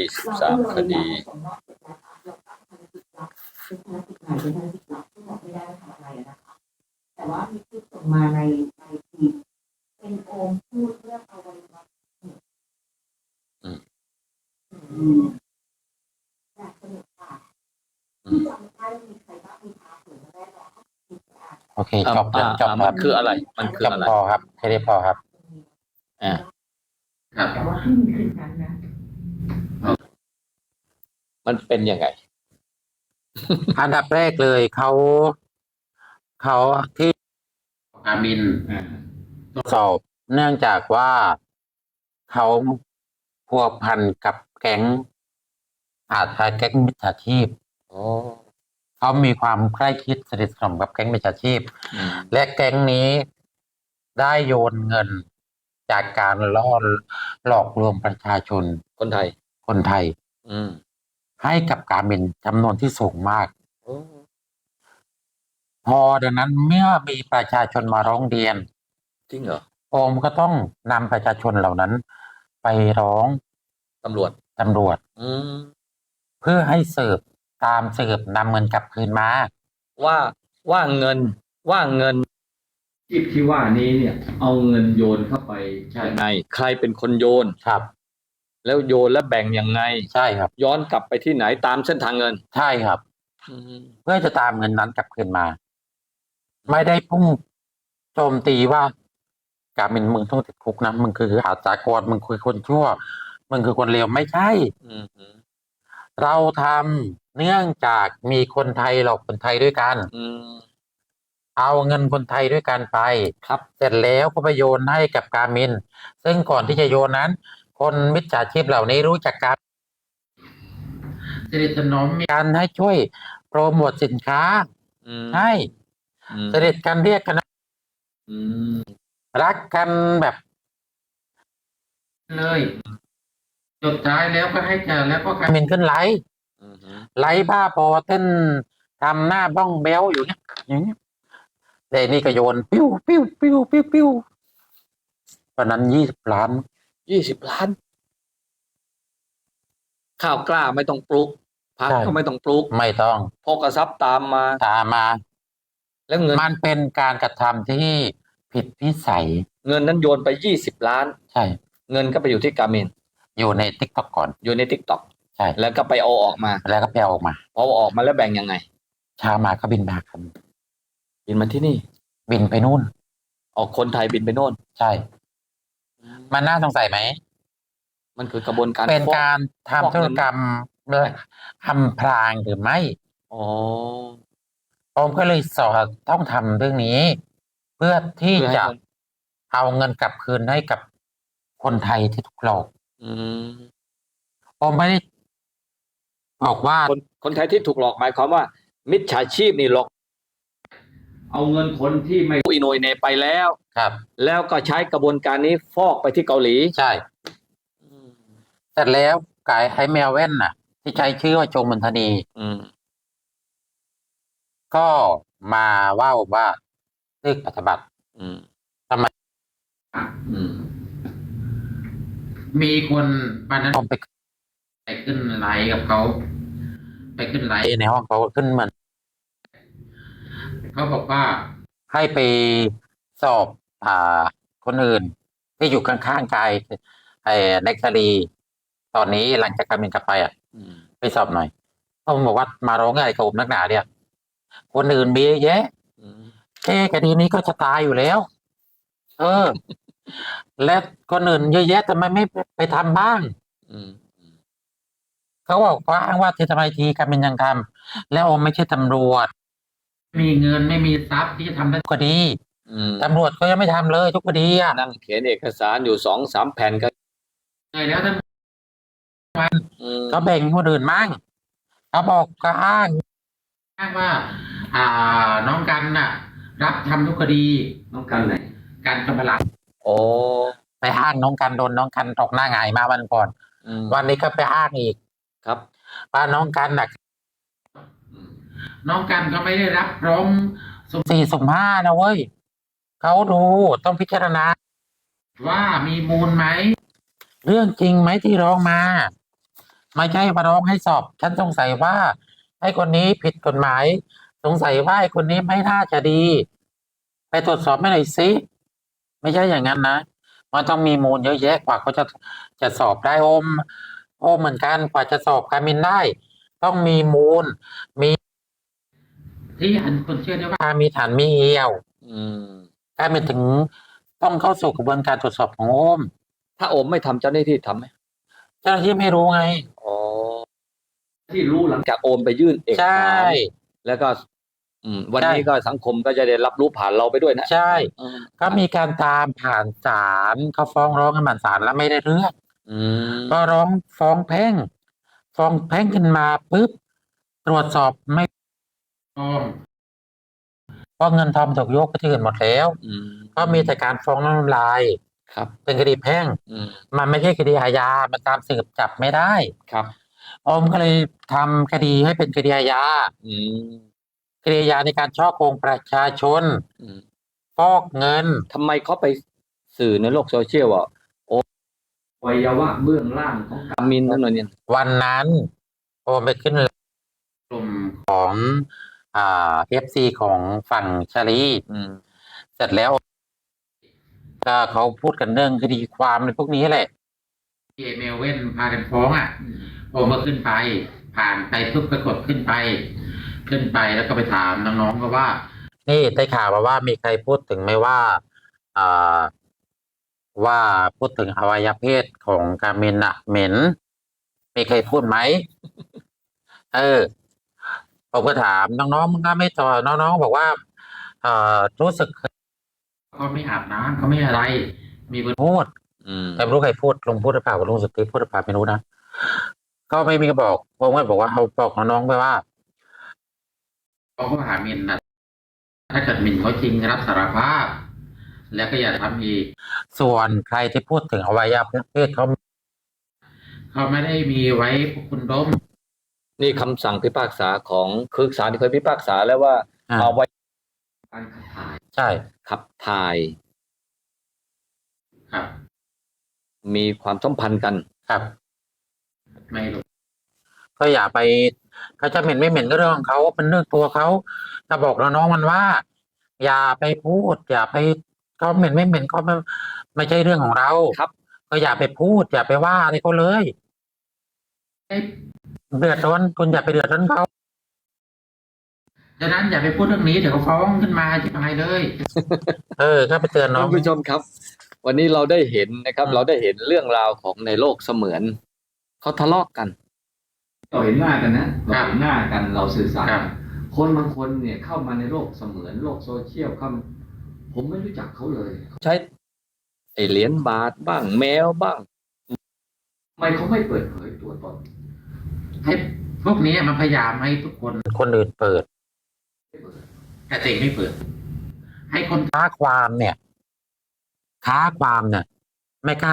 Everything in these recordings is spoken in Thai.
13 คดีแต่ว่ามีคลิปส่งมาในทีมเป็นโอมพูดเรื่องอวัยวะอยากสนุกค่ะที่จำได้มีใครบ้างมีพาผืนมาได้หรอโอเคจบจบคมัรับนคืออะไรมันคือจบอะไรพอครับแค่นี้พอครับครับแต่ว่าที่มีคืนนั้นนะมันเป็นยังไงอันดับแรกเลยเขาที่การบินสอบเนื่องจากว่าเขาพัวพันกับแก๊งอาชญากรรมแก๊งมิจฉาชีพเขามีความใกล้ชิดสนิทสนมกับแก๊งมิจฉาชีพและแก๊งนี้ได้โยนเงินจากการหลอกลวงประชาชนคนไทยให้กับการบินจำนวนที่สูงมากพอดังนั้นเมื่อมีประชาชนมาร้องเรียนจริงเหรอโอมก็ต้องนำประชาชนเหล่านั้นไปร้องตำรวจเพื่อให้สืบตามสืบนำเงินกลับคืนมาว่าเงินที่ว่านี้เนี่ยเอาเงินโยนเข้าไปยังไงใครเป็นคนโยนครับแล้วโยนแล้วแบ่งยังไงใช่ครับย้อนกลับไปที่ไหนตามเส้นทางเงินใช่ครับเพื่อจะตามเงินนั้นกลับคืนมาไม่ได้พุ่งโจมตีว่าการบินมึงต้องติดคุกนะมึงคืออาชญากรมึงคือคนชั่วมึงคือคนเลวไม่ใช่เราทำเนื่องจากมีคนไทยหลอกคนไทยด้วยกันเอาเงินคนไทยด้วยกันไปครับเสร็จแล้วก็ไปโยนให้กับการบินซึ่งก่อนที่จะโยนนั้นคนมิจฉาชีพเหล่านี้รู้จักกันสนิทสนมกันให้ช่วยโปรโมทสินค้าให้สนิทกันเรียกกันรักกันแบบเลยสุดท้ายแล้วก็ให้เจอแล้วก็การบินขึ้นไลฟ์บ้าพอเต้นทำหน้าบ้องเบลอยู่เนี่ยอย่างนี้แต่นี่ก็โยนปิ้วปิ้วปิ้วปิ้วปิ้ววันนั้น20 ล้านข้าวกล้าไม่ต้องปลูกผักก็ไม่ต้องปลูกไม่ต้องพกทรัพย์ตามมาแล้วเงินมันเป็นการกระทำที่ผิดวิสัยเงินนั้นโยนไป20 ล้านใช่เงินก็ไปอยู่ที่การบินอยู่ใน TikTok ก่อนอยู่ใน TikTok ใช่แล้วก็ไปเอาออกมาพอออกมาแล้วแบ่งยังไงเช้ามาก็บินมาครับบินมาที่นี่บินไปนู่นออกคนไทยบินไปโน่นใช่มันน่าสงสัยไหมมันคือกระบวนการเป็นการทำธุรกรรมอำพรางหรือไม่ผมก็เลยต้องทำเรื่องนี้เพื่อที่จะเอาเงินกลับคืนให้กับคนไทยที่ถูกหลอกผมไม่ได้บอกว่าคนไทยที่ถูกหลอกหมายความว่ามิจฉาชีพนี่หลอกเอาเงินคนที่ไม่รู้อิโนยเนไปแล้วครับแล้วก็ใช้กระบวนการนี้ฟอกไปที่เกาหลีใช่เสร็จแล้วกายไอ้แมวแว่นน่ะที่ใช้ชื่อว่าโจมนทนีก็มาว่าตึกปฏิบัติทำไมมีคนวันนั้นผมไปขึ้นไลฟ์กับเขาไปขึ้นไลฟ์ในห้องเขาขึ้นมันเขาบอกว่าให้ไปสอบคนอื่นที่อยู่ข้างๆกายเน็กซารีตอนนี้หลังจากการบินกลับไปไปสอบหน่อยผมบอกว่ามาร้องอะไรกับผมนักหนาเนี่ยคนอื่นมีเยอะแยะแค่คดีนี้ก็จะตายอยู่แล้วและคนอื่นเยอะแยะทำไมไม่ไปทำบ้างเขาบอกว่าอ้างว่าทำไมทีการบินยังทำแล้วไม่ใช่ตำรวจมีเงินไม่มีทรัพย์ที่จะทำได้ทุกคดีตำรวจก็ยังไม่ทำเลยทุกคดีนั่งเขียนเอกสารอยู่2-3 แผ่นก็แล้วท่านเขาแบ่งคนอื่นมั่งเขาบอกก็อ้างว่าน้องกันน่ะรับทำทุกคดีน้องกันไหนการจำพลังไปอ้างน้องกันโดนน้องกันตกหน้าหงายมาวันก่อนวันนี้ก็ไปอ้างอีกครับว่าน้องกันน่ะน้องกันก็ไม่ได้รับร้องสุ่ม 4 สุ่ม 5นะเว้ยเขาดูต้องพิจารณาว่ามีมูลไหมเรื่องจริงไหมที่ร้องมาไม่ใช่มาร้องให้สอบ ฉันสงสัยว่าไอ้คนนี้ผิดกฎหมาย สงสัยว่าไอ้คนนี้ไม่น่าจะดี ไปตรวจสอบไม่หน่อยสิไม่ใช่อย่างนั้นนะมันต้องมีมูลเยอะแยะกว่าเขาจะสอบได้โอมเหมือนกันกว่าจะสอบการมินได้ ต้องมีมูล มีที่อันคนเชื่อได้ว่ามีฐานมีเอี่ยวอืมการมินถึงต้องเข้าสู่กระบวนการตรวจสอบของโอมถ้าโอมไม่ทำเจ้าหน้าที่ทำไหมเจ้าหน้าที่ไม่รู้ไงอ๋อที่รู้หลังจากโอมไปยื่นเอกใช่สารแล้วก็ วันนี้ก็สังคมก็จะได้รับรู้ผ่านเราไปด้วยนะใช่อืมก็มีการตามผ่านศาลเขาฟ้องร้องกันผ่านศาลแล้วไม่ได้เรื่องอืมก็ฟ้องแพ่งขึ้นมาปุ๊บตรวจสอบไม่ต้องเพราะเงินทองถูกโยกไปที่อื่นหมดแล้วอืมก็มีแต่การฟ้องน้ำลายครับเป็นคดีแพ่งอืมมันไม่ใช่คดีอาญา มันตามสืบจับไม่ได้ครับอมก็เลยทำคดีให้เป็นคดีอาญาอืมคดีอาญาในการฉ้อโกงประชาชนอืมฟอกเงินทำไมเขาไปสื่อในโลกโซเชียลว่าโอวัยวะเบื้องล่างของกามินนั่นน่ะเนี่ยวันนั้นโอมไปขึ้นกลุ่มของFC ของฝั่งชาลีอืมเสร็จแล้วก็เขาพูดกันเรื่องคดีความในพวกนี้แหละที่เมลเว่นพากันฟ้องโอมก็ขึ้นไป ผ่านไปปุ๊บปรากฏขึ้นไปแล้วก็ไปถามน้องๆก็ว่า นี่ได้ข่าวมาว่ามีใครพูดถึงไหมว่าว่าพูดถึงอวัยวะเพศของกามินเหม็น มีใครพูดไหม ผมก็ถามน้องๆมึงก็ไม่ตอบน้องๆบอกว่ารู้สึกเขาไม่อาบน้ำเขาไม่อะไร มีคนพูด แต่ไม่รู้ใครพูดลุงพูดหรือเปล่าลุงสุทธิพูดหรือเปล่าไม่รู้นะก็ไม่มีใครบอกผมก็บอกว่าเอาบอกน้องๆไปว่าเขาก็หามินนะถ้าเกิดมินเขาจริงรับสารภาพ แล้วก็อย่าทำอีกส่วนใครที่พูดถึงอวัยวะเพศเขาไม่ได้มีไว้พวกคุณดมนี่คำสั่งพิพากษาของคือศาลที่เคยพิพากษาแล้วว่าเอาไว้การขับถ่ายใช่ขับถ่ายครับมีความสัมพันธ์กันครับ ไม่รู้ก็อย่าไปเขาจะเหม็นไม่เหม็นก็เรื่องของเขาเป็นเรื่องตัวเขาจะบอกน้องๆมันว่า อย่าไปพูด อย่าไปเขาเหม็นไม่เหม็นเขาไม่ใช่เรื่องของเราครับก็อย่าไปพูด อย่าไปว่าอะไรเขาเลยเดือดร้อนคุณอย่าไปเดือดร้อนเขาดังนั้นอย่าไปพูดเรื่องนี้เดี๋ยวเขาฟ้องขึ้นมาจะตายเลย ก็ไปเตือนน้องท่านผู้ชมครับ วันนี้เราได้เห็นนะครับ เราได้เห็นเรื่องราวของในโลกเสมือนเขาทะเลาะกันเราเห็นหน้ากันนะเราเห็นหน้ากันเราสื่อสารคนบางคนเนี่ยเข้ามาในโลกเสมือนโลกโซเชียลผมไม่รู้จักเขาเลยใช้ไอเหรียญบาทบ้างแมวบ้างทำไมเขาไม่เปิดเผยตัวตนให้พวกนี้มันพยายามให้ทุกคนอื่นเปิดแต่ตัวเองไม่เปิด ให้คนค้าความเนี่ยไม่กล้า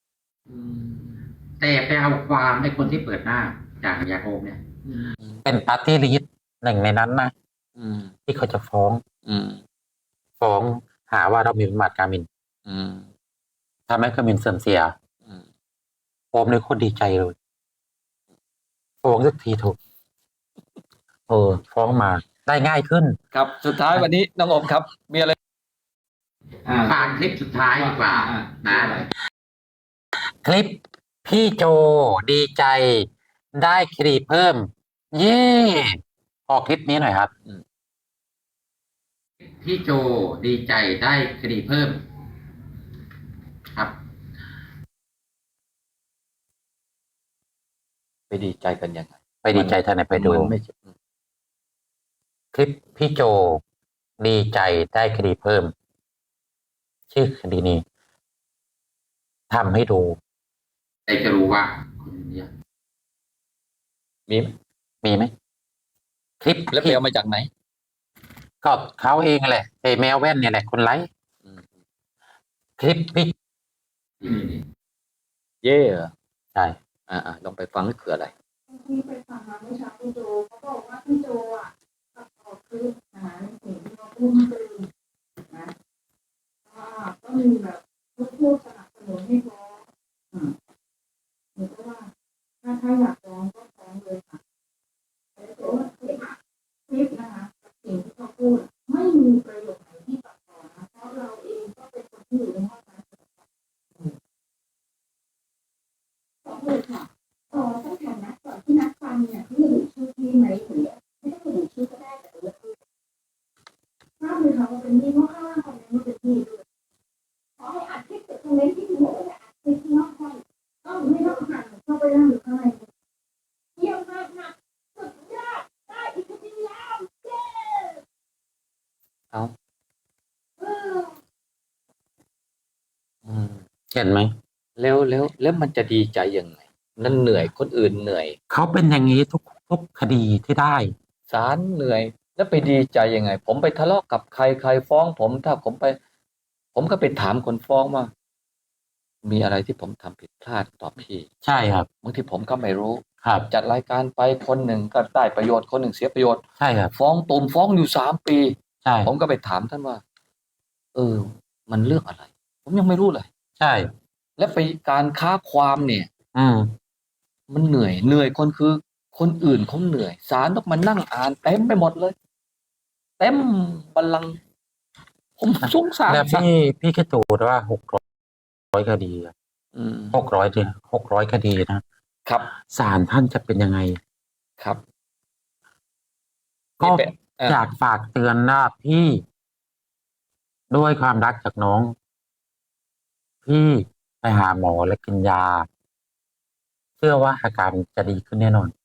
แต่ไปเอาความให้คนที่เปิดหน้าอย่างยาโอมเนี่ยเป็นปาร์ตี้ลิสต์หนึ่งในนั้นนะที่เขาจะฟ้องหาว่าเรามีประมาทการมินทำให้การมินเสื่อมเสียโอมเลยโคตรดีใจเลยฟ้องสักทีถูกฟ้องมาได้ง่ายขึ้นครับสุดท้ายวันนี้น้องอมครับมีอะไรฟังคลิปสุดท้ายดีกว่านะคลิปพี่โจดีใจได้คดีเพิ่มเย่ออกคลิปนี้หน่อยครับพี่โจดีใจได้คดีเพิ่มครับไปดีใจกันยังไงไปดีใจท่านไหนไปดูคลิปพี่โจดีใจได้คดีเพิ่มชื่อคดีนี้ทำให้ดูใครจะรู้ว่าคนนี้มีไหมคลิปแล้วไปเอามาจากไหนก็เขาเองแหละไอ้แมวแว่นเนี่ยแหละคนไลค์คลิปพี่เย่ใช่ลองไปฟังนี่คืออะไรที่ไปฟังมาเมื่อเช้าพี่โจเขาบอกว่าพี่โจตัดต่อคลิปในสิ่งที่เขาพูดคือนะก็มีแบบพูดสนับสนุนให้ฟ้องหรือว่าถ้าอยากฟ้องก็ฟ้องเลยค่ะแต่ตัวคลิปนะคะสิ่งที่เขาพูดไม่มีประโยชน์ไหนที่ตัดต่อนะเพราะเราเองก็เป็นคนที่อยู่ในห้องนั้นฟ้องเลยค่ะต้องถามนัดก่อนที่นัดฟังเนี่ยที่ระบุชื่อพี่ไหมหรือไม่ต้องระบุชื่อก็ได้แต่ระบุชื่อทราบเลยค่ะว่าเป็นพี่เพราะข้างล่างคอมเมนต์ว่าเป็นพี่ด้วยขอให้อัดคลิปจากคอมเมนต์ที่คุณบอกว่าอัดคลิปที่นอกห้องไม่ต้องหันเข้าไปนั่งอยู่ข้างในเยี่ยมมากนะสุดยอดได้อีกทีแล้วเย้เอาเอออืมเห็นไหมแล้วมันจะดีใจยังไงนั่นเหนื่อยคนอื่นเหนื่อยเขาเป็นอย่างนี้ทุกคดีที่ได้ศาลเหนื่อย แล้วไปดีใจยังไง ผมไปทะเลาะกับใครฟ้องผมถ้าผมก็ไปถามคนฟ้องว่ามีอะไรที่ผมทำผิดพลาดต่อพี่ใช่ครับบางทีผมก็ไม่รู้ครับจัดรายการไปคนหนึ่งก็ได้ประโยชน์คนหนึ่งเสียประโยชน์ใช่ครับฟ้องตูมฟ้องอยู่3 ปีใช่ผมก็ไปถามท่านว่า มันเรื่องอะไร ผมยังไม่รู้เลยใช่และไปการค้าความเนี่ยอืมมันเหนื่อยคนคือคนอื่นเขาเหนื่อยศาลต้องมานั่งอ่านเต็มไปหมดเลย เต็มบัลลังก์ผมสงสารแล้วพี่คิดดูว่า600 คดีอะ 600 คดีนะครับ ศาลท่านจะเป็นยังไงครับก็นี่เป็นอยากฝากเตือนนะพี่ด้วยความรักจากน้อง พี่ไปหาหมอและกินยา เชื่อว่าอาการจะดีขึ้นแน่นอน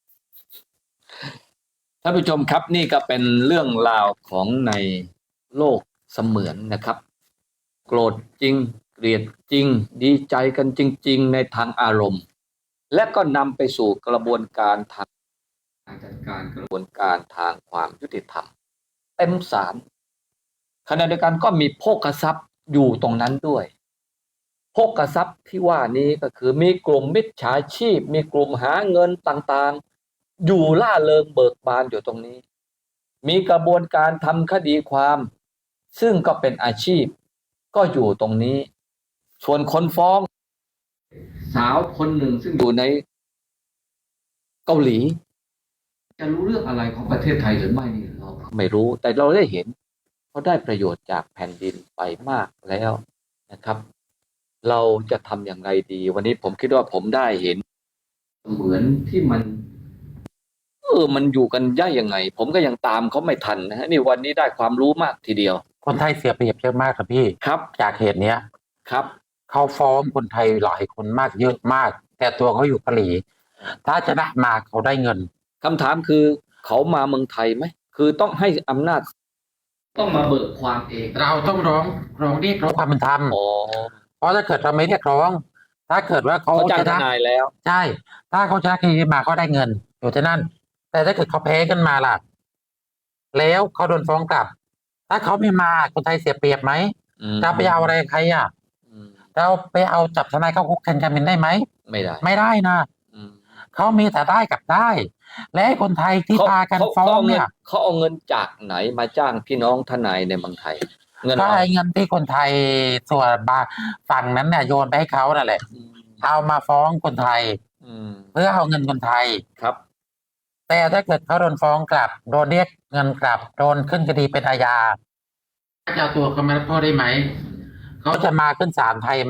ท่านผู้ชมครับนี่ก็เป็นเรื่องราวของในโลกเสมือนนะครับ โกรธจริงเกลียดจริง ดีใจกันจริง ๆ ในทางอารมณ์ และก็นำไปสู่กระบวนการทางจัดการกระบวนการทางความยุติธรรมเต็มศาลขณะเดียวกันก็มีโภคทรัพย์อยู่ตรงนั้นด้วยโภคทรัพย์ที่ว่านี้ก็คือมีกลุ่มมิจฉาชีพ มีกลุ่มหาเงินต่างๆ อยู่ล่าเริงเบิกบานอยู่ตรงนี้ มีกระบวนการทำคดีความ ซึ่งก็เป็นอาชีพก็อยู่ตรงนี้ ส่วนคนฟ้องสาวคนหนึ่งซึ่งอยู่ในเกาหลี จะรู้เรื่องอะไรของประเทศไทยหรือไม่นี่เราไม่รู้ แต่เราได้เห็นเขาได้ประโยชน์จากแผ่นดินไปมากแล้วนะครับ เราจะทำอย่างไรดี วันนี้ผมคิดว่าผมได้เห็นเหมือนที่มันมันอยู่กันได้ยังไง ผมก็ยังตามเขาไม่ทันนะฮะนี่วันนี้ได้ความรู้มากทีเดียวคนไทยเสียเปรียบเยอะมากครับพี่ครับจากเหตุเนี้ยครับเขาฟ้องคนไทยหลายคนมากเยอะมาก แต่ตัวเขาอยู่เกาหลี ถ้าจะได้มาเขาได้เงินคำถามคือเขามาเมืองไทยไหมคือต้องให้อำนาจต้องมาเบิกความเองเราต้องร้องเรียกร้องความเป็นธรรมอ๋อเพราะถ้าเกิดเราไม่เรียกร้อง ถ้าเกิดว่าเขาเขาจ้างชทนะนายแล้วใช่ ถ้าเขาชนะคดีมาเขาได้เงิน อยู่ที่นั่น แต่ถ้าเกิดเขาแพ้ขึ้นมาล่ะ แล้วเขาโดนฟ้องกลับ ถ้าเขาไม่มาคนไทยเสียเปรียบไหม จะไปเอาอะไรใครอ่ะ เราไปเอาจับทนายเข้าคุกแทนกันเป็นได้ไหมไม่ได้ไม่ได้นะ เขามีแต่ได้กับได้ และให้คนไทยที่พากันฟ้องเนี่ยเขาเอาเงินจากไหนมาจ้างพี่น้องทนายในเมืองไทย เงินก็เราไอ้เงินที่คนไทยส่วนบางฝั่งนั้นเนี่ยโยนไปให้เขานั่นแหละ เอามาฟ้องคนไทย เพื่อเอาเงินคนไทยครับแต่ถ้าเกิดเขาโดนฟ้องกลับ โดนเรียกเงินกลับ โดนขึ้นคดีเป็นอาญาจะเอาตัวเขามารับโทษได้ไหม เขาจะมาขึ้นศาลไทยไหม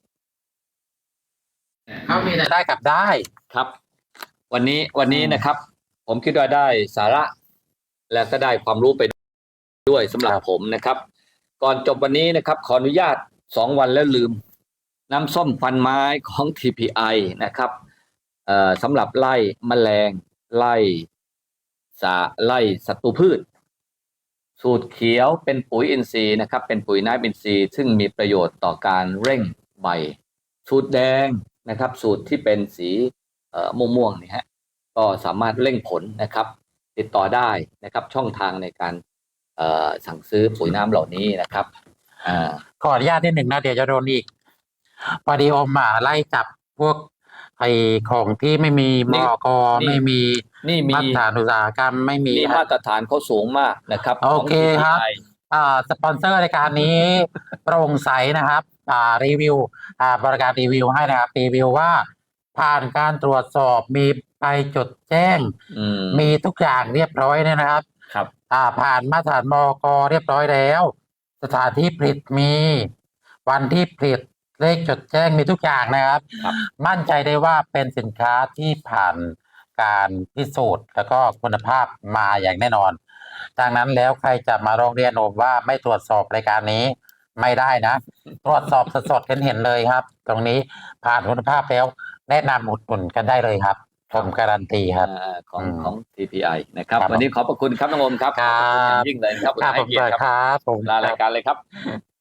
เขามีแต่ได้กับได้ครับ วันนี้นะครับ ผมคิดว่าได้สาระ และก็ได้ความรู้ไปด้วยสำหรับครับผมนะครับ ก่อนจบวันนี้นะครับ ขออนุญาต2 วันแล้วลืม น้ำส้มฟันไม้ของ TPI นะครับสำหรับไล่แมลงไล่ศัตรูพืช สูตรเขียวเป็นปุ๋ยอินทรีย์นะครับ เป็นปุ๋ยน้ำอินทรีย์ซึ่งมีประโยชน์ต่อการเร่งใบ สูตรแดงนะครับ สูตรที่เป็นสีม่วงๆนี่ฮะก็สามารถเร่งผลนะครับ ติดต่อได้นะครับ ช่องทางในการสั่งซื้อปุ๋ยน้ำเหล่านี้นะครับาขออนุญาตนิดหนึ่งนะเดี๋ยวจะโดนอีกพอดีอมไล่จับพวกไอ้ของที่ไม่มีมกไม่มีนี่มีมาตรฐานอุตสาหกรรมไม่มีนี่มาตรฐานเขาสูงมากนะครับโอเคของครับ TPI สปอนเซอร์รายการนี้ โปร่งใสนะครับรีวิวบริการรีวิวให้นะครับรีวิวว่าผ่านการตรวจสอบมีใบจดแจ้ง มีทุกอย่างเรียบร้อยเนี่ยนะครับครับผ่านมาตรฐานมก.เรียบร้อยแล้ว สถานที่ผลิตมี วันที่ผลิตเลขจดแจ้งมีทุกอย่างนะครับครับมั่นใจได้ว่าเป็นสินค้าที่ผ่านการพิสูจน์แล้วก็คุณภาพมาอย่างแน่นอน ดังนั้นแล้วใครจะมาร้องเรียนผมว่าไม่ตรวจสอบรายการนี้ไม่ได้นะ ตรวจสอบสดๆเห็นเลยครับ ตรงนี้ผ่านคุณภาพแล้วแนะนำอุดหนุนกันได้เลยครับผมการันตีครับของ TPI นะครับครับวันนี้ขอบพระคุณครับน้องโอมครับครัขอบพระคุณอย่าบงยิ่งเลยครับครับให้ผมเกียรติครับครับผมลารายการเลยครับ